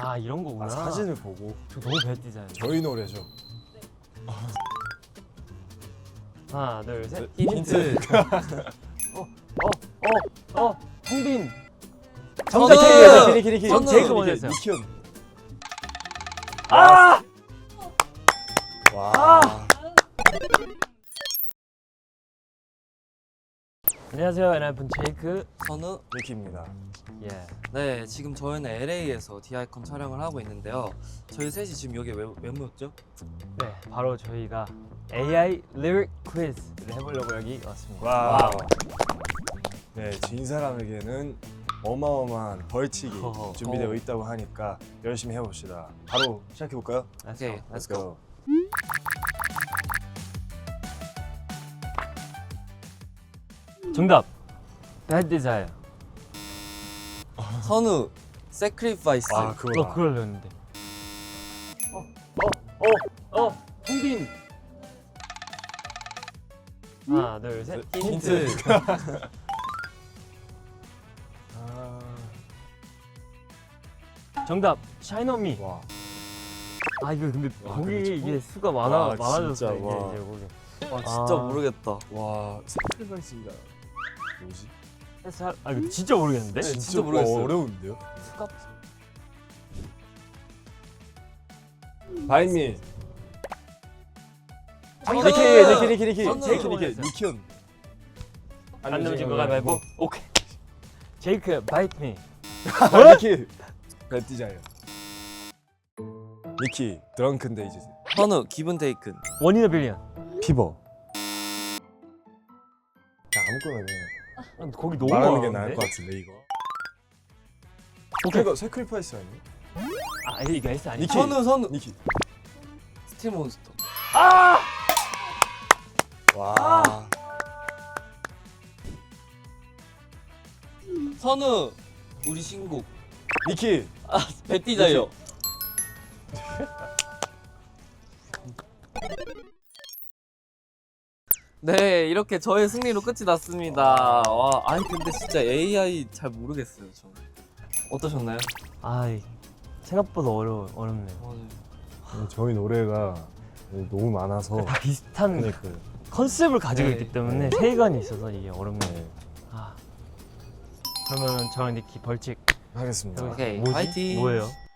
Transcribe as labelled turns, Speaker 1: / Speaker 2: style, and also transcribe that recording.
Speaker 1: 아 이런 거구나.
Speaker 2: 아, 사진을 보고.
Speaker 1: 저 너무 배띠잖아요.
Speaker 2: 저희 노래죠.
Speaker 1: 하나 둘 셋.
Speaker 2: 네,
Speaker 1: 힌트. 홍빈.
Speaker 2: 정답! 키리.
Speaker 1: 전 제이크 먼저 했어요.
Speaker 2: 니키언.
Speaker 1: 아!
Speaker 2: 와.
Speaker 1: 안녕하세요, NF는 제이크.
Speaker 3: 선우.
Speaker 2: 니키입니다.
Speaker 1: 예.
Speaker 3: 네, 지금 저희는 LA에서 디아이콘 촬영을 하고 있는데요. 저희 셋이 지금 여기 왜 모였죠?
Speaker 1: 네, 바로 저희가 AI 리릭 퀴즈를 해보려고 여기 왔습니다.
Speaker 2: 와우. 네, 진 사람에게는 어마어마한 벌칙이
Speaker 1: 허허.
Speaker 2: 준비되어 있다고 하니까 열심히 해봅시다. 바로 시작해볼까요?
Speaker 3: 오케이, 렛츠 고.
Speaker 1: 정답. Bad Desire.
Speaker 3: 선우. Sacrifice.
Speaker 2: 아, 그거다.
Speaker 1: 그걸 넣었는데. 홍빈. 하나 둘 셋.
Speaker 3: 힌트.
Speaker 1: 정답. Shine on Me.
Speaker 2: 와.
Speaker 1: 아 이거 근데
Speaker 2: 와,
Speaker 1: 거기
Speaker 2: 근데
Speaker 1: 이게 수가
Speaker 2: 와,
Speaker 1: 많아졌어
Speaker 2: 진짜,
Speaker 1: 이게
Speaker 2: 와.
Speaker 1: 이제 거기.
Speaker 3: 아, 진짜
Speaker 1: 아.
Speaker 3: 모르겠다.
Speaker 2: 와, 스트레스가 뭐지?
Speaker 1: 아 이거 진짜 모르겠는데?
Speaker 3: 네, 진짜 모르겠어요.
Speaker 2: 어려운데요?
Speaker 1: 수가
Speaker 2: 바인미.
Speaker 3: 선우.
Speaker 2: 니키.
Speaker 3: 선우.
Speaker 1: 제이크
Speaker 2: 니키언.
Speaker 1: 안 넘어진 거 가위바위보. 오케이. 제이크 Bite Me.
Speaker 2: 니키. 벨티자요. 니키. 드렁큰 데이즈.
Speaker 3: 선우. 기분 테이큰.
Speaker 1: 원 인 어 빌리언.
Speaker 2: 피버. 자, 아무거나 그냥
Speaker 1: 거기 너무
Speaker 2: 말하는 게
Speaker 1: 많은데?
Speaker 2: 나을 것 같은데 이거.
Speaker 1: 오케이.
Speaker 2: 이거 세크리파이스 아니에요?
Speaker 1: 아 이거 S 아니?
Speaker 2: 니키.
Speaker 3: 선우.
Speaker 2: 니키.
Speaker 3: 스틸 몬스터.
Speaker 2: 와.
Speaker 3: 선우. 우리 신곡.
Speaker 2: 니키.
Speaker 3: 배띠자요. 네, 이렇게 저의 승리로 끝이 났습니다. 와, 아니 근데 진짜 AI 잘 모르겠어요, 저. 어떠셨나요?
Speaker 1: 아 생각보다 어렵네요.
Speaker 2: 저희 노래가 너무 많아서
Speaker 1: 다 비슷한
Speaker 2: 그러니까요.
Speaker 1: 컨셉을 가지고
Speaker 3: 네.
Speaker 1: 있기 때문에 세관이 있어서 이게 어렵네요. 아 그러면은 저랑 니키 벌칙
Speaker 2: 하겠습니다.
Speaker 3: 오케이,
Speaker 1: 뭐지?
Speaker 3: 파이팅!
Speaker 1: 뭐예요?